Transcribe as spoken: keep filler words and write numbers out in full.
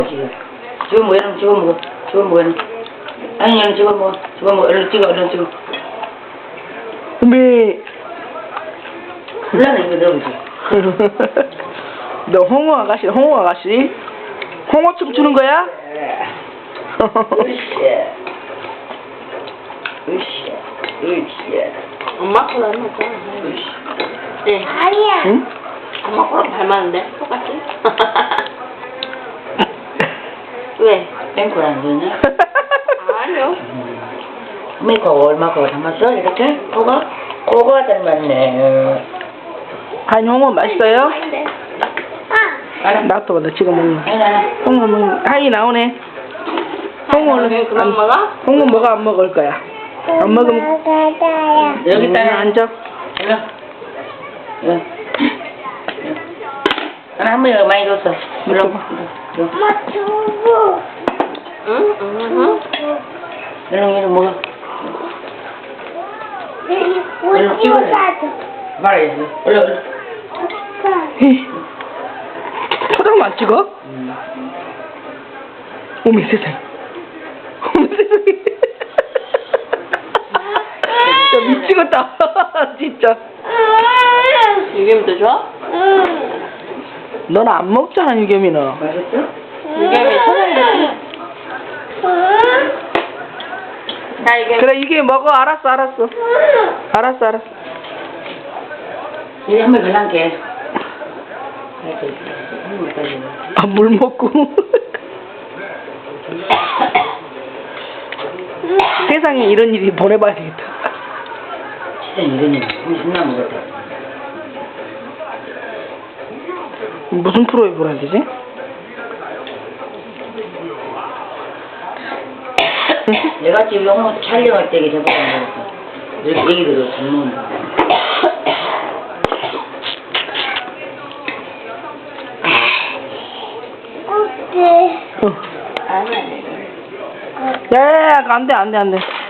지금 뭐 이런 지금 먹어. 지금 뭐 이런. 아니 이런 지금 뭐 지금 뭐 이런 찍어 이런 찍어. 미. 불나는 이거 넣어보지. 너 홍어 아가씨, 홍어 아가씨? 홍어 춤추는 거야? 으쌰. 으쌰. 으쌰. 엄마 거랑 닮았잖아. 네. 아니야. 응? 엄마 거랑 닮았는데? 똑같지? 왜? 땡콜 안 되냐? 아니요. 미코 얼마고 담았어? 이렇게? 그거? 그거 닮았네. 아니, 홍어 맛있어요? 아닌데. 알아? 나도 나 지금 먹는 거. 아니, 아니. 홍어 먹는 하이 나오네. 홍어는 그만 안- 먹어? 홍어 먹어 안 먹을 거야? 안 먹으면 가다야. 여기 있다. 음, 앉아. 일로. 일로. 하나 한 번에 많이 줬어. 일로. 일로. 엄마 두부. 응? 응? 응? 일로, 일로 먹어. 우리 일로 찍어야 돼. 사줘. 말아야지. 일로, 일로. 헤이. 포장만 찍어? 어머 세상에. 어머 세상에. 야 미치겠다. 진짜. 유겸이도 좋아? 넌 안 먹잖아 유겸이는. 맛있어? 유겸이 초장도 나 이게 그래 이게 먹어. 알았어 알았어. 알았어 알았어. 이제 한번 걸랑게. 아 물 먹고. 세상에 이런 일이 보내봐야 되겠다. 진짜 이러니 신나 먹었다. 무슨 프로에 보내야 되지? 내가 지금 영어 촬영할 때 이게 저번에 먹었어. 이렇게 얘기들을 잘 먹는다. 어때? 어. 아니야. 야야야 안돼 안돼 안돼.